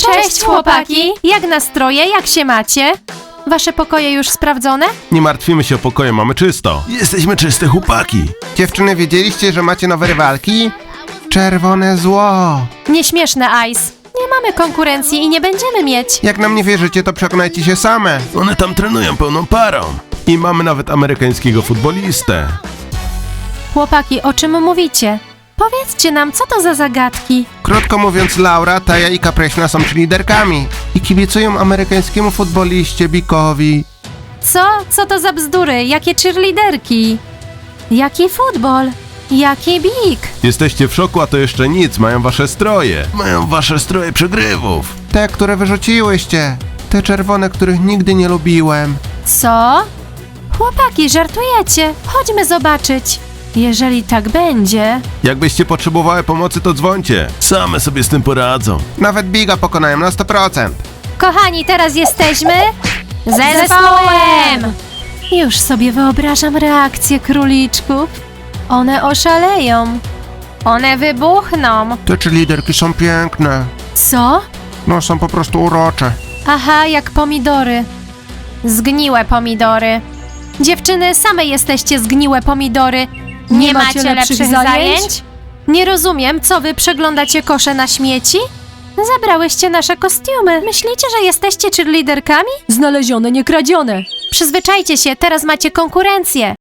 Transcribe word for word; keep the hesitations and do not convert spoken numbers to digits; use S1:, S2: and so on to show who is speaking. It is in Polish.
S1: Cześć chłopaki! Jak nastroje? Jak się macie? Wasze pokoje już sprawdzone?
S2: Nie martwimy się o pokoje, mamy czysto. Jesteśmy czyste chłopaki.
S3: Dziewczyny, wiedzieliście, że macie nowe rywalki? Czerwone zło.
S1: Nieśmieszne, Ice. Nie mamy konkurencji i nie będziemy mieć.
S3: Jak nam nie wierzycie, to przekonajcie się same.
S2: One tam trenują pełną parą. I mamy nawet amerykańskiego futbolistę.
S1: Chłopaki, o czym mówicie? Powiedzcie nam, co to za zagadki?
S3: Krótko mówiąc, Laura, Taja i Kapreśna są liderkami i kibicują amerykańskiemu futboliście Bikowi.
S1: Co? Co to za bzdury? Jakie cheerleaderki? Jaki futbol? Jaki big?
S2: Jesteście w szoku, a to jeszcze nic. Mają wasze stroje. Mają wasze stroje przegrywów.
S3: Te, które wyrzuciłyście. Te czerwone, których nigdy nie lubiłem.
S1: Co? Chłopaki, żartujecie? Chodźmy zobaczyć. Jeżeli tak będzie...
S2: Jakbyście potrzebowały pomocy, to dzwońcie. Same sobie z tym poradzą.
S3: Nawet Biga pokonałem na sto procent.
S1: Kochani, teraz jesteśmy... zespołem! Już sobie wyobrażam reakcję króliczków. One oszaleją. One wybuchną.
S3: Te liderki są piękne.
S1: Co?
S3: No, są po prostu urocze.
S1: Aha, jak pomidory. Zgniłe pomidory. Dziewczyny, same jesteście zgniłe pomidory. Nie, macie, lepszych zajęć? Nie rozumiem, co wy przeglądacie kosze na śmieci? Zabrałyście nasze kostiumy. Myślicie, że jesteście cheerleaderkami?
S4: Znalezione, nie kradzione.
S1: Przyzwyczajcie się, teraz macie konkurencję.